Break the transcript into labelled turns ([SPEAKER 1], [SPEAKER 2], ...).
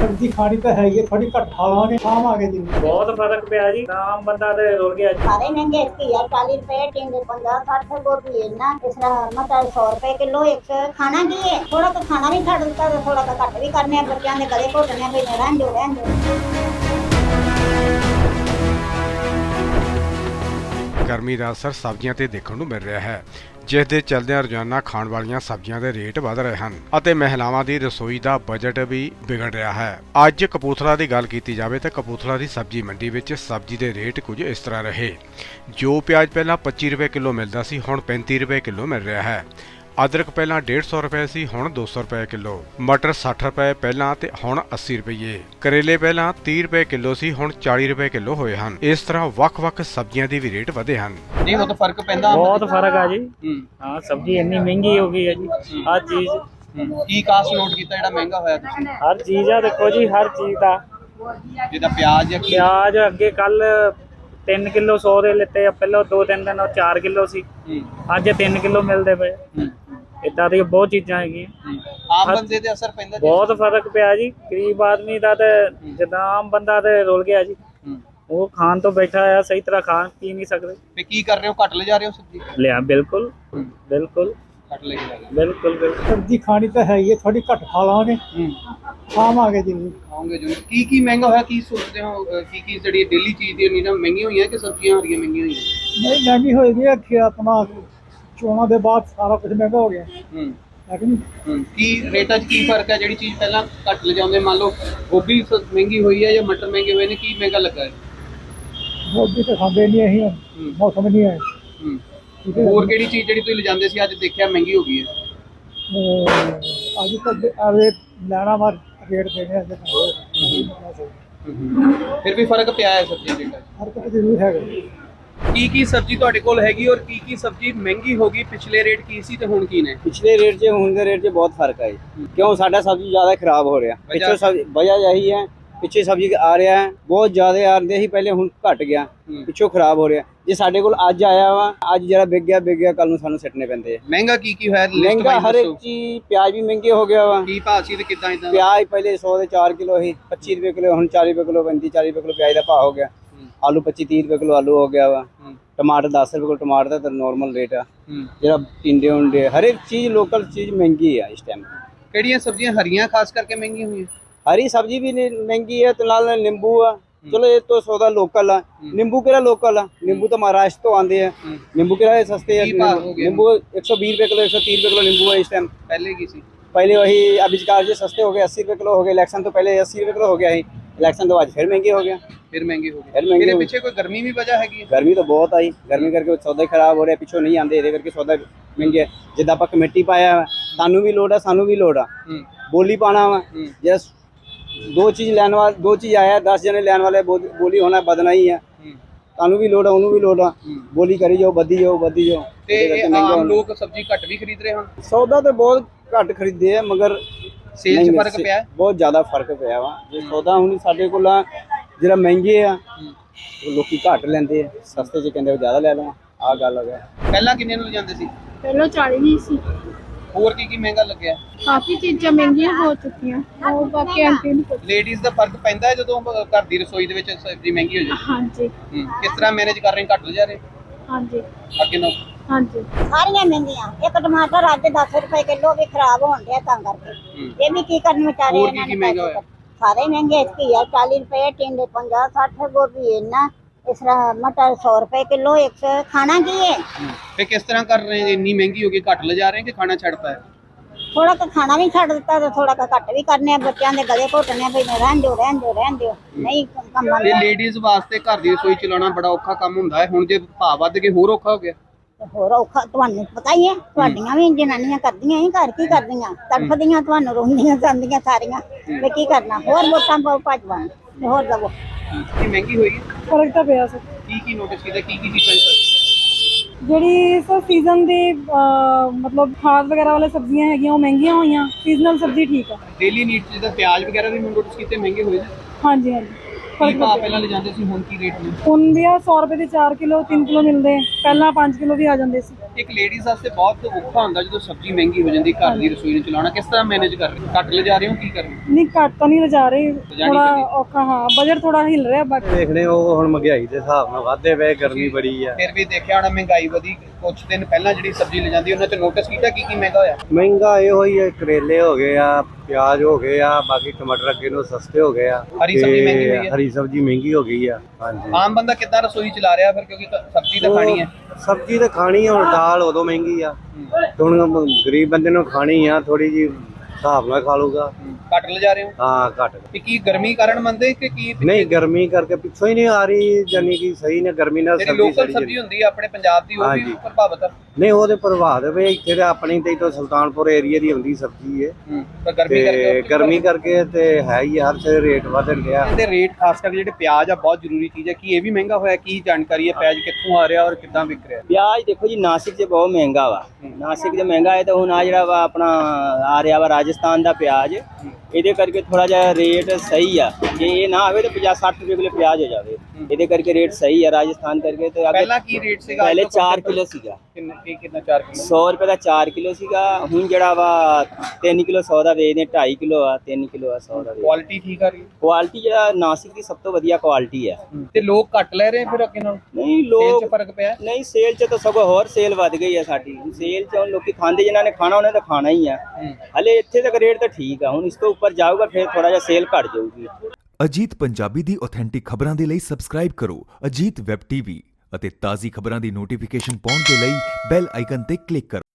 [SPEAKER 1] सब्जी खानी तो है ही, थोड़ी घट खा लांगे, शाम आ गए दिन
[SPEAKER 2] बहुत फर्क पिया जी। आम बंदा ते रुल गया।
[SPEAKER 3] सारे महंगे घिया 40 रुपए, टिंडे 50-60, गोभी इतना, इस तरह मटर 100 रुपए किलो। एक खाना की है, थोड़ा तो खाना भी छड़ दिता, थोड़ा तो घट भी करने, बच्चों के गले घोटने भी रहन दो।
[SPEAKER 4] ਗਰਮੀ ਦਾ ਅਸਰ ਸਬਜ਼ੀਆਂ ਤੇ ਦੇਖਣ ਨੂੰ ਮਿਲ ਰਿਹਾ ਹੈ, ਜਿਸ ਦੇ ਚਲਦਿਆਂ ਰੋਜ਼ਾਨਾ ਖਾਣ ਵਾਲੀਆਂ ਸਬਜ਼ੀਆਂ ਦੇ ਰੇਟ ਵਧ ਰਹੇ ਹਨ ਅਤੇ ਮਹਿਲਾਵਾਂ ਦੀ ਰਸੋਈ ਦਾ ਬਜਟ ਵੀ ਵਿਗੜ ਰਿਹਾ ਹੈ। ਅੱਜ ਕਪੂਰਥਲਾ ਦੀ ਗੱਲ ਕੀਤੀ ਜਾਵੇ ਤਾਂ ਕਪੂਰਥਲਾ ਦੀ ਸਬਜ਼ੀ ਮੰਡੀ ਵਿੱਚ ਸਬਜ਼ੀ ਦੇ ਰੇਟ ਕੁਝ ਇਸ ਤਰ੍ਹਾਂ ਰਹੇ। ਜੋ ਪਿਆਜ਼ ਪਹਿਲਾਂ 25 ਰੁਪਏ ਕਿਲੋ ਮਿਲਦਾ ਸੀ, ਹੁਣ 35 ਰੁਪਏ ਕਿਲੋ ਮਿਲ ਰਿਹਾ ਹੈ। ਅਦਰਕ ਪਹਿਲਾਂ 150 ਰੁਪਏ ਸੀ, ਹੁਣ 200 ਰੁਪਏ ਕਿਲੋ। ਮਟਰ 60 ਰੁਪਏ ਪਹਿਲਾਂ ਤੇ ਹੁਣ 80 ਰੁਪਏ। ਕਰੇਲੇ ਪਹਿਲਾਂ 30 ਰੁਪਏ ਕਿਲੋ ਸੀ, ਹੁਣ 40 ਰੁਪਏ ਕਿਲੋ ਹੋਏ ਹਨ। ਇਸ ਤਰ੍ਹਾਂ ਵੱਖ-ਵੱਖ ਸਬਜ਼ੀਆਂ ਦੇ ਵੀ ਰੇਟ ਵਧੇ ਹਨ।
[SPEAKER 5] नहीं वो तो फर्क पैंदा
[SPEAKER 2] बहुत फर्क है जी। हाँ, सब्जी इन्नी महंगी हो गई है जी। हर चीज
[SPEAKER 5] की कास्ट नोट कीता जेड़ा महंगा होया तुसीं?
[SPEAKER 2] हर चीज है, देखो जी हर चीज का।
[SPEAKER 5] जिदा प्याज या
[SPEAKER 2] प्याज अगे कल 3 किलो 100 ਦੇ ਲਿੱਤੇ ਆ, ਪਹਿਲਾਂ 2-3 ਦਿਨ 4 ਕਿਲੋ ਸੀ, ਅੱਜ 3 ਕਿਲੋ ਮਿਲਦੇ ਪਏ। ਇਦਾਂ ਦੀ ਬਹੁਤ ਚੀਜ਼ਾਂ ਹੈਗੀਆਂ।
[SPEAKER 5] ਆਮ ਬੰਦੇ ਤੇ ਅਸਰ ਪੈਂਦਾ ਜੀ?
[SPEAKER 2] ਬਹੁਤ ਫਰਕ ਪਿਆ ਜੀ। ਗਰੀਬ ਆਦਮੀ ਦਾ ਤੇ ਜਿੱਦਾਂ ਆਮ ਬੰਦਾ ਤੇ ਰੁਲ ਗਿਆ ਜੀ। ਉਹ ਖਾਣ ਤੋਂ ਬੈਠਾ ਆ, ਸਹੀ ਤਰ੍ਹਾਂ ਖਾ ਪੀ ਨਹੀਂ ਸਕਦੇ।
[SPEAKER 5] ਤੇ ਕੀ ਕਰ ਰਹੇ ਹੋ, ਘੱਟ ਲੈ ਜਾ ਰਹੇ ਹੋ ਸਬਜ਼ੀ?
[SPEAKER 2] ਲਿਆ ਬਿਲकुल ਬਿਲकुल
[SPEAKER 5] ਘੱਟ ਲੈ ਕੇ ਜਾ ਰਹੇ
[SPEAKER 2] ਬਿਲकुल ਬਿਲकुल।
[SPEAKER 1] सब्जी खानी तो है ही, थोड़ी घट खा लांगे,
[SPEAKER 5] ਹੋ
[SPEAKER 1] शाम आ गए दिन
[SPEAKER 5] ਆਉਂਗੇ ਜੋ ਕੀ ਮਹਿੰਗਾ ਹੋਇਆ, ਕੀ ਸੋਚਦੇ ਹੋ? ਕੀ ਜਿਹੜੀ ਡੇਲੀ ਚੀਜ਼ ਦੀਆਂ ਨਹੀਂ ਨਾ ਮਹਿੰਗੀਆਂ ਹੋਈਆਂ ਕਿ ਸਬਜ਼ੀਆਂ ਹਰੀਆਂ ਮਹਿੰਗੀਆਂ ਹੋਈਆਂ?
[SPEAKER 1] नहीं महंगी होगी कि अपना चोणों के बाद सारा कुछ महंगा हो गया है कि नहीं।
[SPEAKER 5] ਕੀ ਰੇਟਾਂ 'ਚ ਕੀ ਫਰਕ ਹੈ? ਜਿਹੜੀ ਚੀਜ਼ ਪਹਿਲਾਂ ਘੱਟ ਲਿਜਾਉਂਦੇ, ਮੰਨ ਲਓ ਗੋਭੀ ਮਹਿੰਗੀ ਹੋਈ ਹੈ ਜਾਂ ਮਟਰ ਮਹਿੰਗੇ ਹੋਏ ਨੇ, ਕੀ ਮਹਿੰਗਾ ਲੱਗਾ ਹੈ?
[SPEAKER 1] गोभी तो खाते नहीं अं, मौसम नहीं है। ठीक है,
[SPEAKER 5] ਹੋਰ ਕਿਹੜੀ ਚੀਜ਼ ਜਿਹੜੀ ਤੁਸੀਂ ਲਿਜਾਂਦੇ ਸੀ ਅੱਜ ਦੇਖਿਆ ਮਹਿੰਗੀ ਹੋ ਗਈ ਹੈ?
[SPEAKER 1] अज तक रेट लैना मार रेट देने
[SPEAKER 5] ਫਿਰ ਵੀ ਫਰਕ ਪਿਆ ਹੈ ਸਬਜ਼ੀ ਰੇਟਾਂ 'ਚ?
[SPEAKER 1] हरकत जरूर है।
[SPEAKER 5] ਕੀ ਸਬਜ਼ੀ ਤੁਹਾਡੇ ਕੋਲ ਹੈਗੀ ਔਰ ਕੀ ਸਬਜ਼ੀ ਮਹਿੰਗੀ ਹੋ ਗਈ? ਪਿਛਲੇ ਰੇਟ ਕੀ ਸੀ ਤੇ ਹੁਣ ਕੀ ਨੇ?
[SPEAKER 6] ਪਿਛਲੇ ਰੇਟ 'ਚ ਹੁਣ ਦੇ ਰੇਟ 'ਚ ਬਹੁਤ ਫਰਕ ਹੈ। ਕਿਉਂ? ਸਾਡਾ ਸਬਜ਼ੀ ਜ਼ਿਆਦਾ ਖਰਾਬ ਹੋ ਰਿਹਾ। ਪਿੱਛੇ ਸਬਜ਼ੀ ਵਜ੍ਹਾ ਇਹੀ ਹੈ, ਪਿੱਛੇ ਸਬਜ਼ੀ ਆ ਰਿਹਾ ਹੈ ਬਹੁਤ ਜ਼ਿਆਦਾ ਆਉਂਦੇ ਸੀ ਪਹਿਲੇ, ਹੁਣ ਘਟ ਗਿਆ, ਪਿੱਛੋਂ ਖਰਾਬ ਹੋ ਰਿਹਾ। ਜੇ ਸਾਡੇ ਕੋਲ ਅੱਜ ਆਇਆ ਵਾ, ਅੱਜ ਜਿਹੜਾ ਵਿਕ ਗਿਆ ਕੱਲ ਨੂੰ ਸਾਨੂੰ ਸਿੱਟਣੇ ਪੈਂਦੇ ਆ।
[SPEAKER 5] ਮਹਿੰਗਾ ਕੀ ਹੋਇਆ?
[SPEAKER 6] ਮਹਿੰਗਾ ਹਰ ਇੱਕ ਚੀਜ਼, ਪਿਆਜ਼ ਵੀ ਮਹਿੰਗੇ ਹੋ ਗਿਆ ਵਾ।
[SPEAKER 5] ਕੀ ਭਾਅ ਸੀ ਤੇ ਕਿੱਦਾਂ ਇਦਾਂ?
[SPEAKER 6] ਪਿਆਜ਼ ਪਹਿਲੇ 100 ਦੇ 4 ਕਿਲੋ ਸੀ, 25 ਰੁਪਏ ਕਿਲੋ, ਹੁਣ 40 ਰੁਪਏ ਕਿਲੋ, 35-40 ਰੁਪਏ ਕਿਲੋ ਪਿਆਜ਼ ਦਾ ਭਾਅ ਹੋ ਗਿਆ। ਆਲੂ 25-30 ਰੁਪਏ ਕਿਲੋ ਆਲੂ ਹੋ ਗਿਆ ਵਾ। ਟਮਾਟਰ 10 ਰੁਪਏ ਕਿਲੋ ਟਮਾਟਰ ਦਾ ਤਾਂ ਨਾਰਮਲ ਰੇਟ ਆ। ਜਿਹੜਾ ਟਿੰਡੇ ਹੁੰਦੇ ਹਰ ਇੱਕ ਚੀਜ਼ ਲੋਕਲ ਚੀਜ਼ ਮਹਿੰਗੀ ਆ ਇਸ ਟਾਈਮ।
[SPEAKER 5] ਕਿਹੜੀਆਂ ਸਬਜ਼ੀਆਂ ਹਰੀਆਂ ਖਾਸ ਕਰਕੇ ਮਹਿੰਗੀਆਂ ਹੋਈਆਂ?
[SPEAKER 6] हरी सब्जी भी महंगी है, तो नाल नींबू आ। चलो ये तो सौदा लोकल है। नींबू केड़ा लोकल है? नींबू तो महाराष्ट्र तो आते हैं। नींबू केड़ा सस्ते है? नींबू 120 रुपए किलो, 130 रुपए किलो नींबू है इस टाइम।
[SPEAKER 5] पहले की सी?
[SPEAKER 6] पहले वही अभिजकार जी सस्ते हो गए, 80 रुपए किलो हो गए। इलेक्शन तो पहले 80 रुपए किलो हो गया ही, इलेक्शन तो आज फिर महंगे हो गया।
[SPEAKER 5] फिर महंगे हो
[SPEAKER 6] फिर
[SPEAKER 5] गए।
[SPEAKER 6] महंगे
[SPEAKER 5] मेरे पीछे कोई गर्मी भी वजह हैगी?
[SPEAKER 6] गर्मी तो बहुत आई, गर्मी करके सौदा खराब हो रहा, पिछों नहीं आते, ये करके सौदा महंगे। जिद्दां आपां कमेटी पाया सानू भी लोड़ है, सानू भी लोड़ आ बोली पाना वा। जस दो चीज लैन वाले, दो चीज आया 10 जने लैन वाले, बोली होना बदना ही है। तानू भी लोड़ है, उन्होंने भी लोड़ है, बोली करी जाओ, बदी जाओ।
[SPEAKER 5] ते आम लोग सब्जी घट भी खरीद रहे हैं?
[SPEAKER 6] सौदा तो बहुत घट खरीदे है, मगर
[SPEAKER 5] सेल च फर्क पिया है?
[SPEAKER 6] बहुत ज्यादा फर्क पिया वा। जो सौदा हुण साडे कोल ਜਿਹੜਾ ਮਹਿੰਗੇ ਆ ਲੋਕੀ ਘੱਟ ਲੈਂਦੇ ਆ, ਸਸਤੇ ਚ ਕਹਿੰਦੇ ਜ਼ਿਆਦਾ ਲੈ ਲਵਾਂ, ਆਹ ਗੱਲ ਹੈ।
[SPEAKER 5] ਪਹਿਲਾਂ ਕਿੰਨੇ ਨੂੰ ਲਿਜਾਂਦੇ ਸੀ?
[SPEAKER 7] ਪਹਿਲਾਂ 40 ਨਹੀਂ ਸੀ।
[SPEAKER 5] ਹੋਰ ਕੀ ਮਹਿੰਗਾ ਲੱਗਿਆ?
[SPEAKER 7] ਕਾਫੀ ਚੀਜ਼ਾਂ ਮਹਿੰਗੀਆਂ ਹੋ ਚੁੱਕੀਆਂ, ਉਹ ਬਾਕੀ ਆਂਟੀ ਨੂੰ ਪਤਾ।
[SPEAKER 5] ਲੇਡੀਜ਼ ਦਾ ਫਰਕ ਪੈਂਦਾ ਹੈ ਜਦੋਂ ਘਰ ਦੀ ਰਸੋਈ ਦੇ ਵਿੱਚ ਸਬਜ਼ੀ ਮਹਿੰਗੀ ਹੋ ਜਾਏ?
[SPEAKER 7] ਹਾਂਜੀ
[SPEAKER 5] ਕਿਸ ਤਰ੍ਹਾਂ ਮੈਨੇਜ ਕਰ ਰਹੇ? ਘੱਟ ਲਿਜਾ ਰਹੇ
[SPEAKER 7] ਹਾਂਜੀ
[SPEAKER 5] ਅੱਗੇ ਨਾਲ?
[SPEAKER 7] ਹਾਂਜੀ
[SPEAKER 3] ਸਾਰੀਆਂ ਮਹਿੰਗੀਆਂ। ਇੱਕ ਟਮਾਟਰ ਅੱਜ 10 ਰੁਪਏ ਕਿਲੋ ਵੀ ਖਰਾਬ ਹੋਣ ਡਿਆ, ਤਾਂ ਕਰਕੇ ਇਹ ਵੀ ਕੀ ਕਰਨ ਵਿਚਾਰੇ।
[SPEAKER 5] ਹੋਰ ਕੀ ਮਹਿੰਗਾ ਹੋਇਆ?
[SPEAKER 3] ਸਾਰੇ ਮਹਿੰਗੇ। ਘਿਆ 40 ਰੁਪਏ, ਟਿੰਡੇ 50-60, ਗੋਭੀ ਇੰਨਾ, ਇਸ ਤਰ੍ਹਾਂ ਮਟਰ 100 ਰੁਪਏ ਕਿਲੋ। ਇੱਕ ਖਾਣਾ ਕੀ ਹੈ?
[SPEAKER 5] ਤੇ ਕਿਸ ਤਰ੍ਹਾਂ ਕਰ ਰਹੇ? ਇੰਨੀ ਮਹਿੰਗੀ ਹੋ ਗਈ, ਘੱਟ ਲਿਜਾ ਰਹੇ ਕਿ ਖਾਣਾ ਛੱਡਤਾ ਹੈ?
[SPEAKER 3] ਥੋੜਾ ਕੁ ਖਾਣਾ ਵੀ ਛੱਡ ਦਿੱਤਾ ਤੇ ਥੋੜਾ ਕੁ ਘੱਟ ਵੀ ਕਰਨੇ, ਬੱਚਿਆਂ ਦੇ ਗਲੇ ਘੋਟਣੇ ਵੀ ਰਹਿਣ ਦਿਓ ਨਹੀਂ ਕੰਮਾਂ
[SPEAKER 5] ਇਹ ਲੇਡੀਜ਼ ਵਾਸਤੇ ਘਰ ਦੀ ਰਸੋਈ ਚਲਾਉਣਾ ਬੜਾ ਔਖਾ ਕੰਮ ਹੁੰਦਾ ਹੈ। ਹੁਣ ਜੇ ਭਾਅ ਵੱਧ ਗਏ ਹੋਰ ਔਖਾ ਹੋ ਗਿਆ।
[SPEAKER 3] ਹੋਰ ਔਖਾ ਤੁਹਾਨੂੰ ਪਤਾ ਹੀ ਹੈ, ਤੁਹਾਡੀਆਂ ਵੀ ਜਨਾਨੀਆਂ ਕਰਦੀਆਂ ਹੀ, ਘਰ ਕੀ ਕਰਦੀਆਂ, ਤੜਫਦੀਆਂ, ਤੁਹਾਨੂੰ ਰੋਂਦੀਆਂ ਜਾਂਦੀਆਂ ਸਾਰੀਆਂ ਵੀ ਕੀ ਕਰਨਾ। ਹੋਰ ਵੋਟਾਂ ਪਾਓ ਭੱਜਵਾਂ, ਹੋਰ ਦਵੋ।
[SPEAKER 5] ਕੀ ਮਹਿੰਗੀ ਹੋਈ ਹੈ?
[SPEAKER 7] ਫਰਕ ਤਾਂ ਪਿਆ ਸਰ।
[SPEAKER 5] ਕੀ ਨੋਟਿਸ ਕੀਤਾ? ਕੀ ਚੀਜ਼ਾਂ?
[SPEAKER 7] ਜਿਹੜੀ ਸਰ ਸੀਜ਼ਨ ਦੀ ਮਤਲਬ ਖਾਦ ਵਗੈਰਾ ਵਾਲੇ ਸਬਜ਼ੀਆਂ ਹੈਗੀਆਂ ਉਹ ਮਹਿੰਗੀਆਂ ਹੋਈਆਂ, ਸੀਜ਼ਨਲ ਸਬਜ਼ੀ ਠੀਕ ਆ।
[SPEAKER 5] ਡੇਲੀ ਨੀਡਸ ਜਿੱਦਾਂ ਪਿਆਜ਼ ਵਗੈਰਾ ਵੀ ਨੋਟਿਸ ਕੀਤੇ ਮਹਿੰਗੇ ਹੋਏ ਨੇ?
[SPEAKER 7] ਹਾਂਜੀ
[SPEAKER 5] ਕੀ ਭਾਅ ਪਹਿਲਾਂ ਲਿਜਾਂਦੇ ਸੀ, ਹੁਣ ਕੀ ਰੇਟ ਨੇ?
[SPEAKER 7] ਹੁਣ ਵੀ 100 ਰੁਪਏ ਦੇ 4 ਕਿਲੋ 3 ਕਿਲੋ ਮਿਲਦੇ, ਪਹਿਲਾਂ 5 ਕਿਲੋ ਵੀ ਆ ਜਾਂਦੇ ਸੀ।
[SPEAKER 5] ਇੱਕ ਲੇਡੀਜ਼ ਵਾਸਤੇ ਬਹੁਤ ਔਖਾ ਹੁੰਦਾ ਜਦੋਂ ਸਬਜ਼ੀ ਮਹਿੰਗੀ ਹੋ ਜਾਂਦੀ, ਘਰ ਦੀ ਰਸੋਈ ਨੂੰ ਚਲਾਉਣਾ ਕਿਸ ਤਰ੍ਹਾਂ ਮੈਨੇਜ ਕਰ ਰਹੇ ਹੋ? ਘੱਟ ਲਿਜਾ ਰਹੇ ਹੋ, ਕੀ ਕਰ ਰਹੇ ਹੋ?
[SPEAKER 7] ਨਹੀਂ ਘੱਟ ਤਾਂ ਨਹੀਂ ਲਿਜਾ ਰਹੇ,
[SPEAKER 5] ਲਿਜਾਣੀ
[SPEAKER 7] ਥੋੜਾ
[SPEAKER 5] ਪੈਂਦੀ।
[SPEAKER 7] ਔਖਾ, ਹਾਂ ਬਜਟ ਥੋੜਾ ਹਿੱਲ ਰਿਹਾ ਬਾਕੀ
[SPEAKER 6] ਦੇਖਣੇ ਉਹ ਹੁਣ ਮਹਿੰਗਾਈ ਦੇ ਹਿਸਾਬ ਨਾਲ ਵਾਧੇ ਪਏ, ਗਰਮੀ ਬੜੀ ਆ।
[SPEAKER 5] ਫਿਰ ਵੀ ਦੇਖਿਆ ਹੋਣਾ ਮਹਿੰਗਾਈ ਵਧੀ, ਕੁਝ ਦਿਨ ਪਹਿਲਾਂ ਜਿਹੜੀ ਸਬਜ਼ੀ ਲੈ ਜਾਂਦੀ ਉਹਨਾਂ 'ਚ ਨੋਟਿਸ ਕੀਤਾ ਕੀ ਕੀ ਮਹਿੰਗਾ ਹੋਇਆ?
[SPEAKER 6] ਮਹਿੰਗਾ ਇਹੋ ਹੀ ਹੈ, ਕਰੇਲੇ ਹੋ ਗਏ ਆ, ਪਿਆਜ਼ ਹੋ ਗਏ ਆ, ਬਾਕੀ ਟਮਾਟਰ ਅੱਗੇ ਨੂੰ ਸਸਤੇ ਹੋ ਗਏ ਆ।
[SPEAKER 5] ਹਰੀ ਸਬਜ਼ੀ
[SPEAKER 6] ਤੇ
[SPEAKER 5] ਮਹਿੰਗੀ ਹੋਈ ਹੈ।
[SPEAKER 6] ਹਰੀ ਸਬਜ਼ੀ ਮਹਿੰਗੀ ਹੋ ਗਈ ਆ। ਹਾਂਜੀ
[SPEAKER 5] ਆਮ ਬੰਦਾ ਕਿੱਦਾਂ ਰਸੋਈ ਚਲਾ ਰਿਹਾ ਫਿਰ, ਕਿਉਂਕਿ ਸਬਜ਼ੀ ਤਾਂ ਖਾਣੀ ਹੈ।
[SPEAKER 6] ਸਬਜ਼ੀ ਤਾਂ ਖਾਣੀ ਆ, ਹੁਣ ਦਾਲ ਉਦੋਂ ਮਹਿੰਗੀ ਆ, ਹੁਣ ਗਰੀਬ ਬੰਦੇ ਨੂੰ ਖਾਣੀ ਆ, ਥੋੜੀ ਜੀ ਹਿਸਾਬ ਨਾਲ ਖਾ ਲੂਗਾ।
[SPEAKER 5] ਘੱਟ ਲਿਜਾ ਰਹੇ ਹੋ?
[SPEAKER 6] ਹਾਂ ਘੱਟ।
[SPEAKER 5] ਤੇ ਕੀ ਗਰਮੀ ਕਾਰਨ ਮੰਨਦੇ ਕਿ ਕੀ
[SPEAKER 6] ਨਹੀਂ ਗਰਮੀ ਕਰਕੇ ਪਿੱਛੋਂ ਹੀ ਨਹੀਂ ਆ ਰਹੀ, ਜਾਨੀ ਕਿ ਸਹੀ ਨੇ ਗਰਮੀ ਨਾਲ
[SPEAKER 5] ਜਿਹੜੀ
[SPEAKER 6] ਸਬਜ਼ੀ
[SPEAKER 5] ਲੋਕਲ
[SPEAKER 6] ਸੜੀ
[SPEAKER 5] ਸਬਜ਼ੀ ਹੁੰਦੀ ਹੈ ਆਪਣੇ ਪੰਜਾਬ ਦੀ ਉਹ ਵੀ
[SPEAKER 6] ਹਾਂਜੀ।
[SPEAKER 5] ਪ੍ਰਭਾਵਿਤ ਹੈ।
[SPEAKER 6] ਨਹੀਂ ਉਹਦੇ ਪ੍ਰਭਾਵ ਦੇ ਇੱਥੇ ਤਾਂ ਆਪਣੀ ਤੇ ਤੋਂ ਸੁਲਤਾਨਪੁਰ ਏਰੀਆ ਦੀ ਹੁੰਦੀ ਸਬਜ਼ੀ ਹੈ
[SPEAKER 5] ਪਰ ਗਰਮੀ ਕਰਕੇ
[SPEAKER 6] ਤੇ ਗਰਮੀ ਕਰਕੇ ਤੇ ਹੈ ਹੀ ਹਰ ਚੀਜ਼ ਰੇਟ ਵਧ ਰਿਹਾ।
[SPEAKER 5] ਇਹਦੇ ਰੇਟ ਖਾਸ ਕਰਕੇ ਜਿਹੜੇ ਪਿਆਜ਼ ਆ ਬਹੁਤ ਜ਼ਰੂਰੀ ਚੀਜ਼ ਹੈ, ਕੀ ਇਹ ਵੀ ਮਹਿੰਗਾ ਹੋਇਆ? ਕੀ ਜਾਣਕਾਰੀ ਹੈ, ਪਿਆਜ਼ ਕਿੱਥੋਂ ਆ ਰਿਹਾ ਔਰ ਕਿੱਦਾਂ ਵਿਕ ਰਿਹਾ?
[SPEAKER 6] ਪਿਆਜ਼ ਦੇਖੋ ਜੀ ਨਾਸਿਕ 'ਚ ਬਹੁਤ ਮਹਿੰਗਾ ਵਾ, ਨਾਸਿਕ 'ਚ ਮਹਿੰਗਾ ਹੈ ਤਾਂ ਹੁਣ ਆ ਜਿਹੜਾ ਵਾ ਆਪਣਾ ਆ ਰਿਹਾ ਵਾ ਰਾਜਸਥਾਨ ਦਾ ਪਿਆਜ਼, ਇਹਦੇ ਕਰਕੇ ਥੋੜਾ ਜਿਹਾ ਰੇਟ ਸਹੀ ਆ। ਜੇ ਇਹ ਨਾ ਆਵੇ ਤਾਂ 50-60 ਰੁਪਏ ਕਿਲੋ ਪਿਆਜ਼ ਹੋ ਜਾਵੇ, ਇਹਦੇ ਕਰਕੇ ਰੇਟ ਸਹੀ ਆ ਰਾਜਸਥਾਨ ਕਰਕੇ। ਤੇ
[SPEAKER 5] ਪਹਿਲਾਂ ਕੀ ਰੇਟ ਸੀਗਾ?
[SPEAKER 6] ਪਹਿਲੇ 4 ਕਿਲੋ ਸੀਗਾ,
[SPEAKER 5] ਕਿੰਨਾ 4 ਕਿਲੋ?
[SPEAKER 6] 100 ਰੁਪਏ ਦਾ 4 ਕਿਲੋ ਸੀਗਾ। ਹੁਣ ਜਿਹੜਾ ਵਾ 3 ਕਿਲੋ 100 ਦਾ ਵੇਚਦੇ, 2.5 ਕਿਲੋ ਆ, 3 ਕਿਲੋ ਆ 100 ਦਾ।
[SPEAKER 5] ਕੁਆਲਿਟੀ ਠੀਕ ਆ ਰਹੀ?
[SPEAKER 6] ਕੁਆਲਿਟੀ ਜਿਹੜਾ ਨਾਸਿਕ ਦੀ ਸਭ ਤੋਂ ਵਧੀਆ ਕੁਆਲਿਟੀ ਹੈ।
[SPEAKER 5] ਤੇ ਲੋਕ ਘੱਟ ਲੈ ਰਹੇ ਫਿਰ ਅੱਗੇ ਨਾਲ?
[SPEAKER 6] ਨਹੀਂ
[SPEAKER 5] ਸੇਲ
[SPEAKER 6] ਲੋਕ
[SPEAKER 5] 'ਚ ਫਰਕ ਪਿਆ?
[SPEAKER 6] ਨਹੀਂ ਸੇਲ 'ਚ ਤਾਂ ਸਗੋਂ ਹੋਰ ਸੇਲ ਵੱਧ ਗਈ ਆ ਸਾਡੀ। ਸੇਲ 'ਚ ਹੁਣ ਲੋਕੀ ਖਾਂਦੇ, ਜਿਨ੍ਹਾਂ ਨੇ ਖਾਣਾ ਉਹਨੇ ਤਾਂ ਖਾਣਾ ਹੀ ਆ। ਹਲੇ ਇੱਥੇ ਤੱਕ ਰੇਟ ਤਾਂ ਠੀਕ ਆ, ਹੁਣ ਇਸ ਤੋਂ ਉੱਪਰ ਜਾਊਗਾ ਫਿਰ ਥੋੜਾ ਜਿਹਾ ਸੇਲ ਘਟ ਜਾਊਗੀ।
[SPEAKER 8] ਅਜੀਤ ਪੰਜਾਬੀ ਦੀ ਆਥੈਂਟਿਕ ਖਬਰਾਂ ਦੇ ਲਈ ਸਬਸਕ੍ਰਾਈਬ ਕਰੋ ਅਜੀਤ ਵੈਬ ਟੀਵੀ ਅਤੇ ਤਾਜ਼ੀ ਖਬਰਾਂ ਦੀ ਨੋਟੀਫਿਕੇਸ਼ਨ ਪਾਉਣ ਦੇ ਲਈ ਬੈਲ ਆਈਕਨ ਤੇ ਕਲਿੱਕ ਕਰੋ।